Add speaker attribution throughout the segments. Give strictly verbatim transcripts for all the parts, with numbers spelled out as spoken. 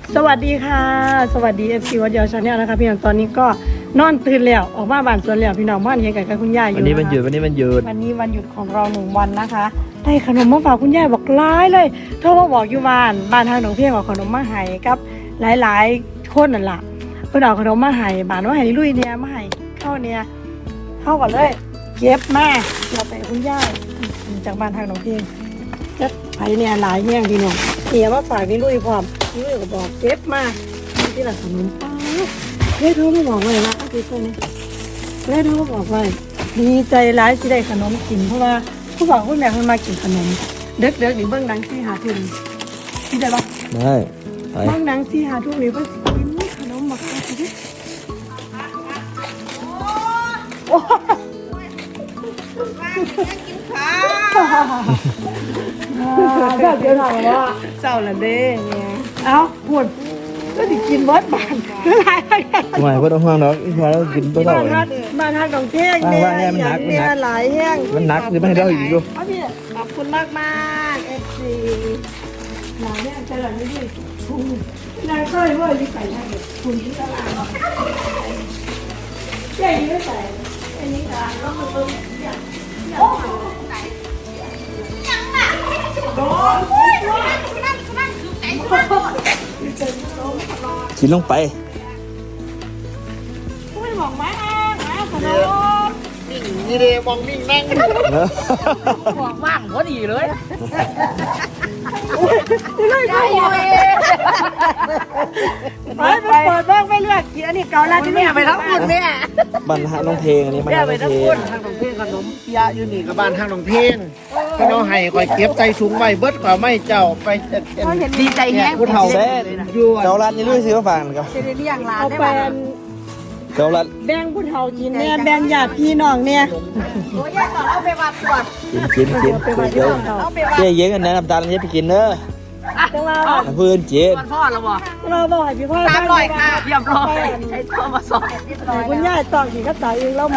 Speaker 1: สวัสดีค่ะสวัสดีเอฟซีวัดเดียวชาแนลนะคะพี่น้องตอนนี้ก็นอนตื่นแล้วออกมาบ้านสวนแล้วพี่น้องบ้านเฮียไก่กับคุณย่าอยู่
Speaker 2: วันนี้วันหยุดวันนี้วันหยุด
Speaker 1: วันนี้วันหยุดของเราหนึ่งวันนะคะได้ขนมมาฝากคุณย่าบอกร้ายเลยโทรมาบอกอยู่บ้านบ้านทางหนองเพียงเอาขนมมาให้กับหลายๆคนนั่นแหละเพื่อนเอาขนมมาให้บ้านว่าให้ลุยเนี่ยมาให้เข้าเนี่ยเข้าก่อนเลยเก็บมาเราไปคุณย่าจากบ้านทางหนองเพียงก็ไปเนี่ยหลายแง่งพี่น้องเฮียมาฝากนี่ลุยพร้อมนี่ลุยก็บอกเก็บมาที่หลังขนมป้าเฮ้ยโทรมาบอกเลยนะอาทิตย์นี้เฮ้ยโทรมาบอกเลยดีใจร้ายที่ได้ขนมกินเพราะว่าผู้บอกผู้แม่คนมากินขนมเด็กเด็กหรือเบื้องดังที่หาทุนที่ได้ปะ
Speaker 2: ได้ไป
Speaker 1: เบื้องดังที่หาทุนหรือเบื้องกินขนมหมักข้าวที่โอ้ก็เดี๋ยวถามว่าเจ้าละเด้เนี่ยเอ้าปวดก็ติกินเบิร์ดบานอะไร
Speaker 2: ทำไมพ่อต้องห่วงเนาะพอแล้วกินตัวเรา
Speaker 1: บ้าน
Speaker 2: เอง
Speaker 1: ฮักบ้านฮักของเท่งเนี่ยเนี่ยหลายแห้ง
Speaker 2: มันหนักหรือไม่ให้เราอีกดู
Speaker 1: พี่ขอบคุณมากมากเอฟซีหลายแห้งจะหลังนี้ดิคุณนายก็เลยว่าลิใส่ได้คุณที่ตลาดใช่ไม่ใส่อันนี้ตลาดแล้วมันเพิ่มอย่างโอ้
Speaker 2: กินลงไป
Speaker 1: ไม่บอกมามาขนม
Speaker 3: นิ่งนี่เดมองนิ่งนั่ง
Speaker 4: บอกว่างพอดีเลย
Speaker 1: ไม่ได้ไปไปเปิดบ้างไม่เลือกกินอันนี้เกาลัดที่
Speaker 4: แม่ไปทั้งคุณแม่
Speaker 2: บันฮะน้องเพลงอันนี้มัน
Speaker 4: แม่
Speaker 2: น้อง
Speaker 4: ไป
Speaker 2: เพ
Speaker 4: ทั้ง
Speaker 2: ล
Speaker 4: คุ
Speaker 2: ง
Speaker 4: ณ
Speaker 3: ทางหนองเพลงขนมเปียะอยู่นี่กับบ้านทางหนองเพลงขนมไห้ก่อยเก็บใจสูงไว้เบิดกว่าไม่เจ้าไปเจ็ดเจ็ด
Speaker 4: ดีใจแฮง
Speaker 3: ผู้เฒ่า
Speaker 2: เซ่
Speaker 3: ยั่ว
Speaker 2: เกาลัดนี่ลุยซื้อมาฝากครับ
Speaker 4: จะได้เลี้ยงหลาน
Speaker 1: เอา
Speaker 4: ได้
Speaker 1: ไป
Speaker 4: บ้าง
Speaker 2: เกาลัด
Speaker 1: แบ่งผู้เฒ่ากินเนี่ยแบ่งญาติพี่น้องเนี่ย
Speaker 4: โอ้ยก่อนเอาไปวัดตรวจ
Speaker 2: กินกินกินเดี๋ยว
Speaker 4: เอาไปวัด
Speaker 2: เจ๊เย็นกันนะน้ำตาลนี้ไปกินเนอะ
Speaker 1: จังว่า
Speaker 2: เพื่อนเจ๊
Speaker 4: ก่อนพ่อแล้วบ่
Speaker 1: เราบอกให้พี่พ่อ
Speaker 4: ตามรอยค่ะเรียบร้อยใช้ตัวมาสอน
Speaker 1: คุณย่าตอกขี่ก็ตายเองเรามา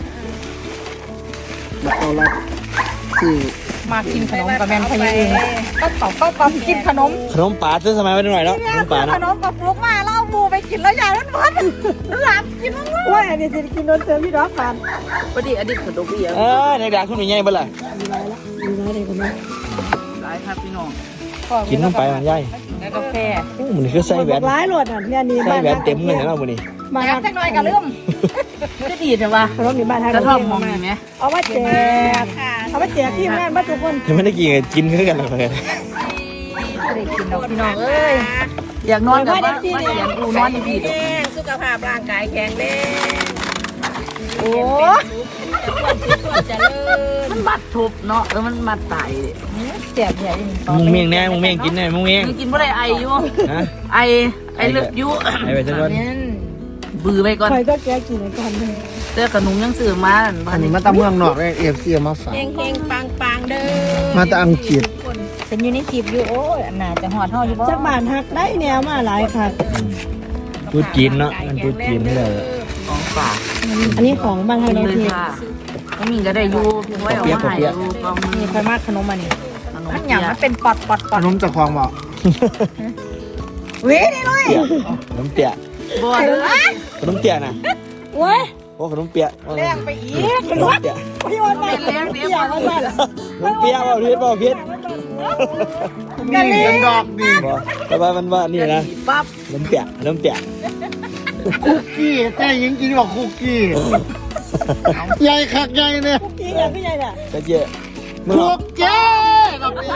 Speaker 3: บักเอาละสี่
Speaker 4: มากินขนมกับแม่พยาเองก็ตอบก็ตอบกินขนม
Speaker 2: ขนมป่าซื้อสมัยไว้หน่อยแล้วขนมป่า
Speaker 4: ข
Speaker 2: นะ
Speaker 4: นมกับฟลุกมาแล้วบูไปกินแล้วยายมันมันหลับกินมัน
Speaker 1: ว่าอันนี้จะกินโดนเติมพี่ดอกฟัน
Speaker 4: พอดีอดีตขนมเบียร์
Speaker 2: เออในด่านคุณมีไงบ้างล่ะ
Speaker 1: มีไรละมีไรเลยคุณแม่
Speaker 4: หลายครับพี่น้อง
Speaker 2: กินลงไปมันใหญ่
Speaker 4: แล้วกาแฟ
Speaker 2: โอ้มันคือใส่แหวน
Speaker 1: ร้ายหลดอ่ะเนี่ยนี่
Speaker 2: ใส่แหวนเต็มเลยนะมันนี่
Speaker 1: บ้าน
Speaker 4: แอบจังหน่อยกับลืมจะดีใช่ปะ
Speaker 1: ขนมนี่บ้านทาง
Speaker 4: กระท่อมมองเห็นไหม
Speaker 1: เอามาแจกเอามาแจกที่งานบ้านทุกคน
Speaker 2: ยังไม่ได้กินกินคือกันเลย
Speaker 4: ไม่ได้กินดอกพี่น้องเอ้ยอยากนอนกับบ้านมาเขียนกูนอนดีดีดอก
Speaker 5: สุขภาพร่างกายแข็งแรง
Speaker 4: โอ้
Speaker 5: จะเลิศ
Speaker 4: มันมัดทุบเนาะเออมันมัดตายเจ็บใหญ่
Speaker 2: มึงเมียงแน่มึงเมียงกินแน่มึงเมียง
Speaker 4: มึงกินบ่ได้ไออยู่
Speaker 2: ฮะ
Speaker 4: ไอไอเลือดยุ
Speaker 2: ไอ้ไปซะก่อน
Speaker 4: บือไปก่อน
Speaker 1: ใครก็แกกินก่อนเลย
Speaker 4: เจอขนมยังซื้อมา
Speaker 3: อันนี้มาตามเมืองนอกเลยเอฟซีมาฝาก
Speaker 5: เฮงเฮงปังปังเด้อ
Speaker 3: มาตามอังกฤษ
Speaker 4: เป็นอยู่ในจีบอยู่โอ้ยอันน่าจะหอดห่ออยู่บ่
Speaker 1: จากบ้านหักได้แนวมาหลายค่ะ
Speaker 2: พูดจีนเนาะมันพูดจีนไม่ได้
Speaker 4: ของฝาก
Speaker 1: อันนี้ของบ้านทาง
Speaker 4: เล
Speaker 1: เรา
Speaker 4: ย
Speaker 1: ที
Speaker 4: ค่ะไม่มีก็ได้อยู่เพียงไว้เอามาให้อยู่ก็มี
Speaker 1: มีใครมากขนมมานี่
Speaker 4: ขนมอย่างมันเป็นปอดปอดป
Speaker 3: ข
Speaker 4: อด
Speaker 3: นมจากความบอก
Speaker 4: เว้ยนี่เลย
Speaker 2: ขนมเปียก
Speaker 4: บ่เลย
Speaker 2: ขนมเปียกนะ
Speaker 1: เว้ย
Speaker 2: โอ้ขนมเปียก
Speaker 4: แรงไปอีก
Speaker 2: ขนมเปียก
Speaker 1: พี่วันมาเลี้ยงเลี้ยงมาสั่น
Speaker 2: ขนมเปียกว่าพิษว่าพิษ
Speaker 3: นี่เป็นดอกดี
Speaker 2: บอกแต่ว่ามันว่านี่นะ
Speaker 4: ปั๊บ
Speaker 2: ขนมเปียกขนมเปียก
Speaker 3: คุกกี้แต่ยิงกินบอกคุกกี้ใหญ่คักใหญ่เนี่ย
Speaker 1: พี่อย่างพี่ใหญ่เนี่ย
Speaker 2: ก็เจ๊มึง
Speaker 3: คุกกี้แบบนี้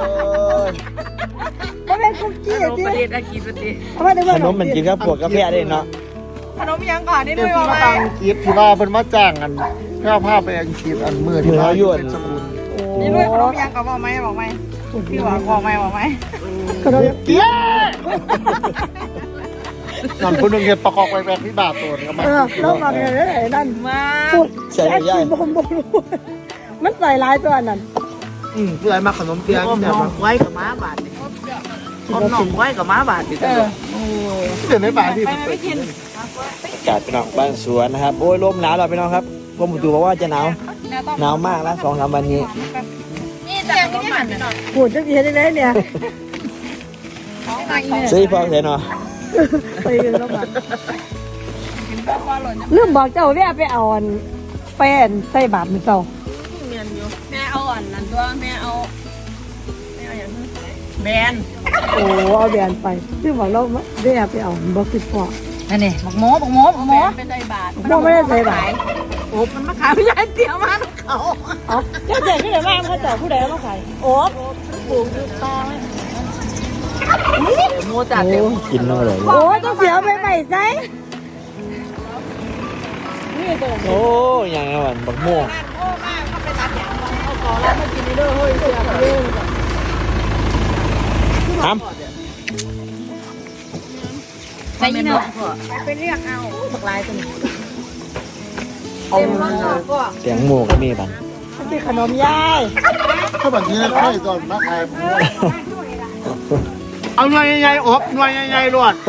Speaker 1: ก็เป็นคุกกี้
Speaker 4: ขนม
Speaker 1: ที่
Speaker 4: ประเทศอากีประเทศ
Speaker 1: เอามาได้ว่า
Speaker 2: ขนมมันกินกับพวกกาแฟได้เนาะ
Speaker 4: ขนมยังก่อนนี่
Speaker 3: เดี๋
Speaker 4: ด้
Speaker 3: ยว
Speaker 4: วย
Speaker 3: ที่
Speaker 4: ว่า
Speaker 3: มาอังกฤษที่ว่าเป็นมาจ้างกันเพื่อพาไปอังกฤษอันมือที่ว่าเป็นสกุล
Speaker 4: นี่ด้วยขนมยังก่อนบอกไหมบอกไหมพี่หวังบอกไหมบอกไหม
Speaker 1: ขนม
Speaker 3: เกี้ยนั่นคนหนึ่งเห็นประกอบไปแบบที่บาทตัวก็มา
Speaker 1: เออน้องมาเนี่ยเลยนั่น
Speaker 4: มา
Speaker 1: พูด
Speaker 2: ใส่ใหญ่
Speaker 1: บมบมมันใส่ลายตัวนั้น
Speaker 3: อืมเพื่อมาขนมเปี๊ยะ
Speaker 4: อม
Speaker 3: แต่
Speaker 4: น้อง
Speaker 3: ว่า
Speaker 4: ไว้กับม้าบาทอมน้องไว้กับม้าบาทดิเออ
Speaker 3: เดี๋ยวในบาทที่
Speaker 4: ไปไม่กิน
Speaker 2: อากาศพี่น้องบ้านสวนนะครับโอ้ยลมหนาวแล้วพี่น้องครับกรมอุตุบอกว่าจะหนาวหนาวมากนะสองสามวันนี้
Speaker 4: นี่แต่ก็มัน
Speaker 1: พูดจะดีได้เลยเนี่ย
Speaker 4: อ
Speaker 2: ซื้อพอเสร็จเนาะ
Speaker 1: ไปกันแล้วบัดลืมบอกเจ้าแม่ไปเอาอันแป้นใส่บาตรมื้อเช้า
Speaker 5: เมียนอยู่แม่เอาอ่อนนั่นตัวแม่เอาแม่เอาอย่างนั้นแบน
Speaker 1: โอ้เอาแบรนด์ไปลืมบอกเราแม่ไปเอาบ่คือพอ
Speaker 4: นั่นนี่บักหมูบักหมูบักหมู
Speaker 5: เป็นไดบาท
Speaker 1: บ่ไม่ได้ใส่บาตร
Speaker 5: โอ้มันมาขายไม่ใช่เตี๋ยวมาเขา
Speaker 1: เอ้าเจ้าเจ๋งที่ไหนบ้างเขาเจ้าผู้ใดเอามาขายโอ๊บปลูกอยู่ตาไว้
Speaker 4: หมูจัดเต็ม
Speaker 2: กินเนาะเลย
Speaker 1: โอ้ยต้องเสียไปใหม่ใส่นี่ตัว
Speaker 2: โอ้ยยังไงวะบักม่วง
Speaker 1: แล้วมากินนี่เด้อเฮ้ยเสียไปเอง
Speaker 2: ท
Speaker 4: ใส่ยี่ห้อ
Speaker 1: ไปเรียกเอา
Speaker 4: บักลายตัวนี้
Speaker 1: เต็มหม้อก็
Speaker 2: ำเสียงหมูก็มีบัน
Speaker 1: มันเป็นขนมยาย
Speaker 3: ถ้าแบบนี้ค่อยก่อนมาขายเอาหน่วยใหญ่ๆอบหน่วยใหญ่ๆรวด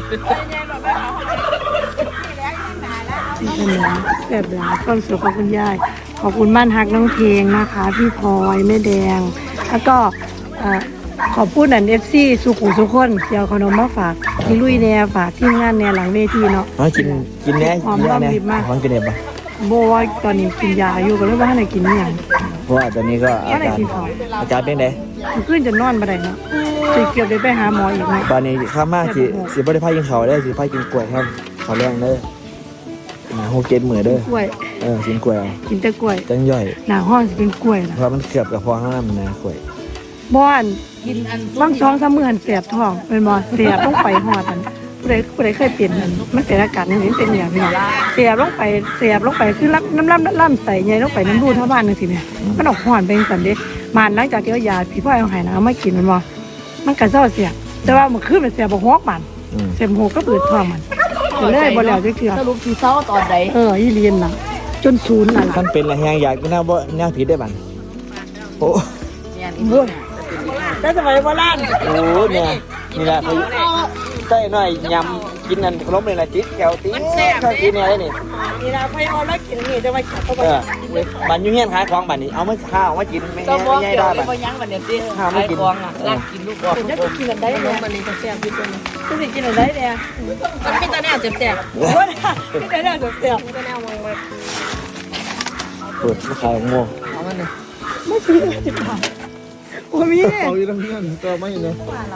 Speaker 1: ขนมแซ่บหลายความสุขของคุณยายขอบคุณบ้านฮักน้องเพลงนะคะ พี่พลอยแม่แดง แล้วก็เอ่อขอบคุณอันเอฟซีสุขุมสุขคนเดี๋ยวขนมมาฝากพี่ลุยแน่ฝากทีมงานแน่หลังเวทีเนาะ
Speaker 2: น้อยกินกินแน่
Speaker 1: หอม
Speaker 2: กินแน่
Speaker 1: รอมริบมาก
Speaker 2: หอมกินเด็ดปะ
Speaker 1: โบว่าตอนนี้กินยาอยู่ก็เลยว่าให้ไหนกินอหย่าง
Speaker 2: เพราะว่าตอนนี้ก็อา
Speaker 1: ว่าไหน
Speaker 2: การ
Speaker 1: กินข้าว
Speaker 2: อาการเป็นไง
Speaker 1: มันขึ้นจะนอนมาได้เนาะสิเกือบได้ไปหาหมออีกเนาะ
Speaker 2: ตอนนี้ข้ามมากสิสิบ่ได้พากินข้าวได้สิพากินกล้วยครับข้าวแรงเด้อหาโฮเกตมือเด้อก
Speaker 1: ล้วย
Speaker 2: เออกินกล้วยเอา
Speaker 1: กินแต่กล้วย
Speaker 2: จังย่อย
Speaker 1: หน้าห้องสิเป็นกล้วยนะ
Speaker 2: เพราะมันเกือบกับพอห้ามนะกล้วย
Speaker 1: บ้าน
Speaker 4: กินอัน
Speaker 1: บางท้องสามมือหันเสียบท้องเป็นบ่เสียบลงไปหอดอันผู้ใดผู้ใดเคยเปลี่ยนมันมันเป็นอาการอย่างนี้เป็นอย่างนี้เสียบลงไปเสียบลงไปคือรับน้ำล่ำล่ำใส่ใหญ่ลงไปน้ำรูเท่าบ้านนึงสิเนี่ยมันออกหอนเป็นสันเด้มันหลังจากที่เอายาพี่พ่อเอาหายนะเอามากินมันบ่มันก็เศร้าเสียบแต่ว่ามันขึ้นมันเสียบบ่ฮอกมัน
Speaker 2: อืม
Speaker 1: เสียบหัวก็เปิดท้องมันก็เลยบ่แล้วจักเทื่อ
Speaker 4: สรุปคือเศร้าตอนใด
Speaker 1: เอออีเลียนน่ะจนศูนย์น่ะล่ะ
Speaker 2: ท่านเป็นอะไรแหงอยากกินน้ำบ่แนวผิดได้บันโอ้
Speaker 4: เนี่ยนี่
Speaker 1: บุญแต่สมัยโบราณ
Speaker 2: โหเนี่ยนี่แหละเขาใส่หน่อยยำกินนั่นขนมเลยละจิ๊ดแถวติ๊ดชอบกินเนี่ยได้นี่
Speaker 1: นี่ล่ะไปเอาแล้วกินนี่จะมากินเข้าไป
Speaker 2: เออบันอยูเฮียนขายของบันนี้เอามาข้าวมากินไม่
Speaker 4: ก็
Speaker 2: ง่าย
Speaker 4: มอง
Speaker 2: ไม่ง่าย
Speaker 4: เกี่ยว
Speaker 2: ได้
Speaker 4: กั
Speaker 2: บั
Speaker 4: บ
Speaker 2: น
Speaker 4: ยังวันเนี้ยสิ
Speaker 2: ข้าวไม่
Speaker 4: ไอ้
Speaker 2: กิน
Speaker 4: กองอ่ะรักกินลูกบอก
Speaker 1: จะกินกันได้
Speaker 5: ขน
Speaker 1: เนี่
Speaker 5: ม
Speaker 1: ย
Speaker 5: มันนี่จะแซ่บที่ตัวนี้
Speaker 1: จะสิกินกันได้เนี่ย
Speaker 5: มันมีแต่แนวแซ่บ
Speaker 1: โอ้ยกินได้เนี่ยเสียบ
Speaker 5: ๆมีแต่แนวมองมา
Speaker 2: เปิดมาขายของโม่
Speaker 4: เอามันเลย
Speaker 1: ไม่ซื้อสิบบาทโอ้มีเนี่ย
Speaker 3: เอาอยู่ทั้งเพื่อนก็ไม่เลย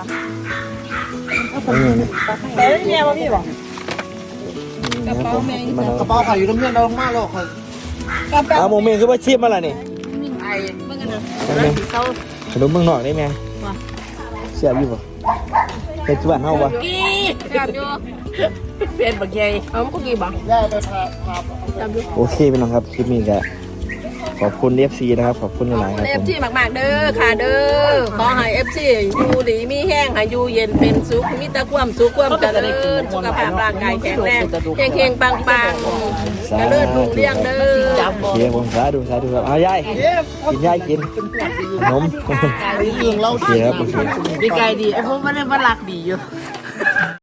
Speaker 1: แต่เนี่ยว่ามีบอก
Speaker 2: กระเป๋าแมง
Speaker 3: กระเป๋าขายอยู่ทั้งเพื่อนเรามากหรอก
Speaker 2: เอาโมเมนต์คือว่าชีพมาละนี่
Speaker 4: ไอ้เมื่อกันนะ
Speaker 2: โมเมนต์ขนมเมืองนอกได้ไหมเสียบอยู่ปะเป็นส่วนเฮาปะ
Speaker 5: กี้แซ่บอยู่เป็นบักใหญ่เอามันก็กี่บัก
Speaker 3: ได้ไปพาพา
Speaker 2: โอเคพี่น้องครับคลิปนี้ก็ขอบคุณ เอฟ ซี นะครับขอบคุณหลายๆครับ
Speaker 5: เอ
Speaker 2: ผ
Speaker 5: ฟ
Speaker 2: ม
Speaker 5: ซีมากๆเด้อค่ะเด้อขอให้เอฟซีอยู่ดีมีแห้งให้อยู่เย็นเป็นสุขมีแต่ความสุขความเจริญสุขภาพร่างกายแข็งแรงเฮงๆปังๆเจริญรุ่งเรืองเด้อ
Speaker 2: โอเคผมสาธุสาธุครับเอายายกินยายกินขนม
Speaker 3: เรื่องเรา
Speaker 2: โอเคครับโอเค
Speaker 4: ดีไกลดีไอ้พวกมันเล่นมันรักดีอยู่